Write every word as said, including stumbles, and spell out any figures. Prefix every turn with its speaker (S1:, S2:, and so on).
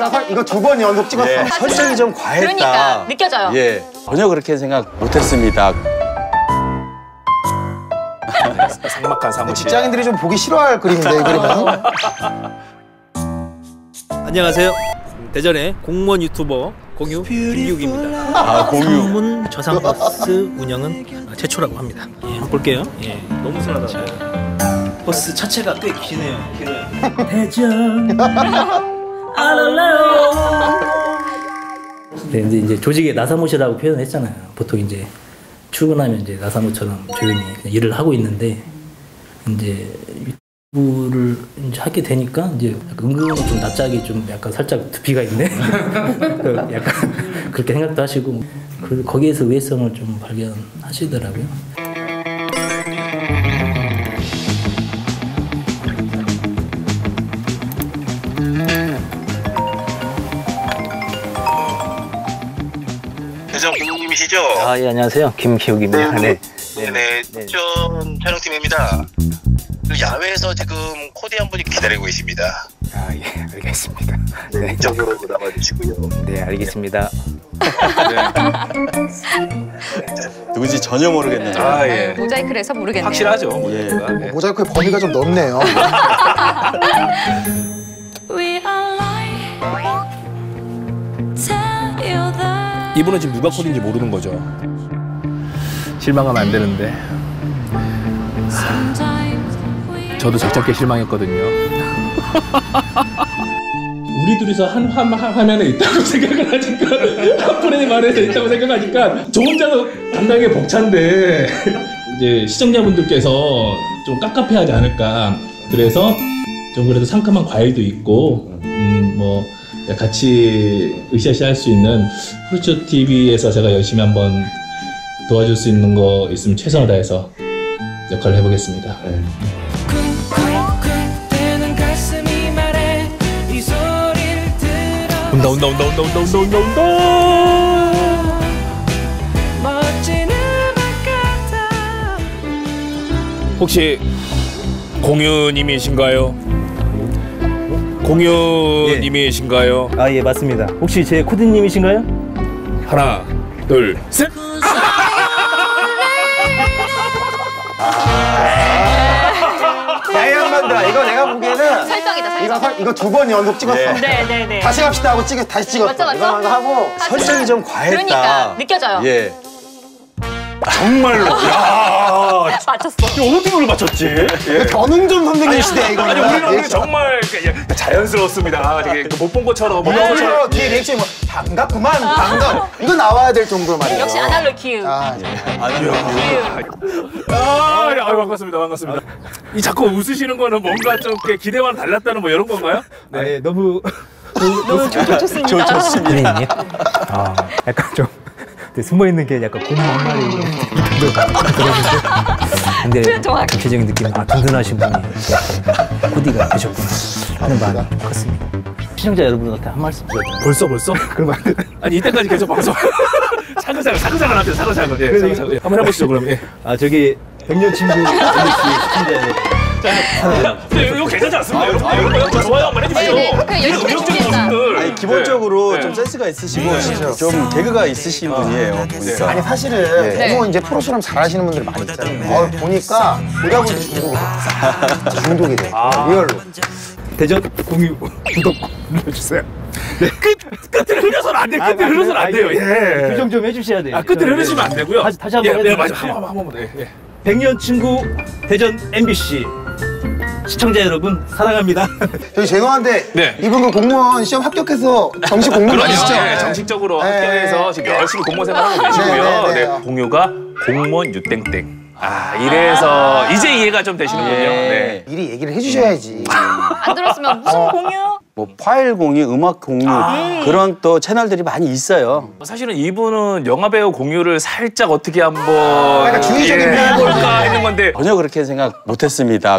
S1: 이거, 이거 두 번 연속 찍었어.
S2: 예, 설정이 좀 과했다.
S3: 그러니까 느껴져요.
S2: 예, 전혀 그렇게 생각 못했습니다.
S4: 삭막한 사무실.
S1: 직장인들이 좀 보기 싫어할 그림인데 이 그림은.
S5: 안녕하세요. 대전의 공무원 유튜버 공유 김기욱입니다.
S2: 아, 공유.
S5: 상문 저상버스 운영은 최초라고 합니다. 예, 한번 볼게요. 예, 너무 순하다. 버스 자체가 꽤 기네요. 길어요. 대전 알랄레오. 네, 이제, 이제 조직의 나사못이라고 표현했잖아요. 보통 이제 출근하면 이제 나사못처럼 조용히 그냥 일을 하고 있는데 이제 유튜브를 이제 하게 되니까 이제 은근히 좀 낯짝이 좀 약간 살짝 두피가 있네. 약간 그렇게 생각도 하시고 그 거기에서 우회성을 좀 발견하시더라고요.
S6: 대전 김기욱님이시죠?
S5: 아, 예, 안녕하세요. 김기욱입니다.
S6: 네,
S5: 네.
S6: 네네. 특전 촬영팀입니다. 그 야외에서 지금 코디 한 분이 기다리고 계십니다.
S4: 아, 예, 알겠습니다.
S6: 네, 이쪽으로 나와주시고요.
S4: 네, 알겠습니다.
S2: 누군지 전혀 모르겠는데.
S4: 아, 예.
S3: 모자이크를 해서 모르겠네요.
S4: 확실하죠,
S2: 예.
S4: 모자이크가. 네.
S1: 모자이크의 범위가 좀 넓네요.
S4: 이분은 지금 누가 코디인지 모르는 거죠. 실망하면 안 되는데. 저도 적잖게 실망했거든요.
S7: 우리 둘이서 한, 한, 한 화면에 있다고 생각을 하니까 한 프레임 안에서 있다고 생각하니까 저 혼자서 당당하게 벅찬데 이제 시청자분들께서 좀 깝깝해하지 않을까. 그래서 좀 그래도 상큼한 과일도 있고 음, 뭐 같이 으쌰으쌰 할 수 있는 프루츠 티비에서 제가 열심히 한번 도와줄 수 있는 거 있으면 최선을 다해서 역할을 해보겠습니다. 네. 온다 온다 온다 온다 온다 온다 온다 온다. 혹시 공유님이신가요? 공유님이신가요?
S5: 아, 예, 맞습니다. 혹시 제 코디님이신가요?
S7: 하나, 둘, 셋.
S1: 야, 이 양반들아, 이거 내가 보기에는
S3: 설정이다, 설정.
S1: 이거, 설- 이거 두 번 연속 찍었어.
S2: 예.
S3: 네네네.
S1: 다시 갑시다 하고 찍, 다시 찍었어.
S3: 맞죠, 맞죠?
S1: 이거 하고.
S2: 설정이 좀 과했다.
S3: 그러니까 느껴져요.
S2: 예.
S4: 정말로. 야,
S3: 맞췄어.
S4: 어떻게 그걸 맞췄지? 예.
S1: 변웅준 선생님 시대야, 이거.
S4: 아니, 우리는 정말 그, 자연스러웠습니다. 못 본 것처럼, 못 본
S1: 뭐,
S4: 것처럼.
S1: 뒤에 리액션이 뭐, 반갑구만, 반갑. 이거 나와야 될 정도로 말이야.
S3: 역시 아날로그 기우.
S1: 아,
S4: 아, 예, 아유, 반갑습니다, 반갑습니다. 이 자꾸 웃으시는 거는 뭔가 좀 이렇게 기대와는 달랐다는 뭐 이런 건가요?
S5: 네, 너무
S3: 너무 좋습니다.
S2: 저 좋습니다.
S5: 선생님. 아, 약간 좀 숨어 있는 게 약간 고무 한 마리 근데
S3: 정확해.
S5: 전체적인 느낌은 아, 든든하신 분이 코디가 되셨구나 하는 마음이 컸습니다. 시청자 여러분한테 한 말씀 드려요.
S4: 벌써, 벌써? 그럼 안 돼. 아니, 이때까지 계속 방송. 사근사근, 사근사근 합시다, 사근사근. 예, 사근사근. 한번 해보시죠, 그럼. 예.
S5: 아, 저기 백년 친구 엠비씨 시청자 여러분.
S4: 네, 이거 괜찮지 않습니까? 여러분, 아, 이거 저 좋아요 한번 해주세요.
S3: 네, 네. 그냥 열심히 해주겠다.
S2: 아니, 기본적으로
S4: 네.
S2: 좀 센스가 있으시고 좀 개그가 있으신 분이에요. 보니까.
S1: 아니, 사실은
S3: 네.
S1: 너무 이제 프로처럼 잘하시는 분들이 많이 있잖아요. 어, 보니까 보다 보니 중독이 돼. 중독이 돼. 리얼로.
S5: 대전 공유 구독 눌러주세요.
S4: 네. 끝, 끝을 흐려서는 안 돼요. 끝을 흐려서는 안 돼요. 예.
S5: 규정 좀 해주셔야 돼요.
S4: 아, 끝을 흐르시면 안 되고요.
S5: 다시, 다시 한번
S4: 예, 네,
S5: 해주세요.
S4: 맞아. 한 번만, 한 번만. 예.
S5: 백년 친구 대전 엠비씨 시청자 여러분 사랑합니다.
S1: 저희 죄송한데
S4: 네.
S1: 이분 그 공무원 시험 합격해서 정식 공무원
S4: 그럼요.
S1: 아시죠?
S4: 예, 정식적으로
S1: 네.
S4: 학교에서 지금 열심히 공무원 생활하고 계시고요.
S1: 네, 네, 네.
S4: 네, 공유가 공무원 유땡땡. 아, 이래서 이제 이해가 좀 되시는군요. 네.
S1: 미리 얘기를 해주셔야지.
S3: 안 들었으면 무슨 공유?
S2: 뭐 파일 공유, 음악 공유 그런 또 채널들이 많이 있어요.
S4: 사실은 이분은 영화배우 공유를 살짝 어떻게 한번
S1: 약간 주의적인
S4: 예,
S1: 면이
S4: 해볼까 하는 건데
S2: 전혀 그렇게 생각 못했습니다.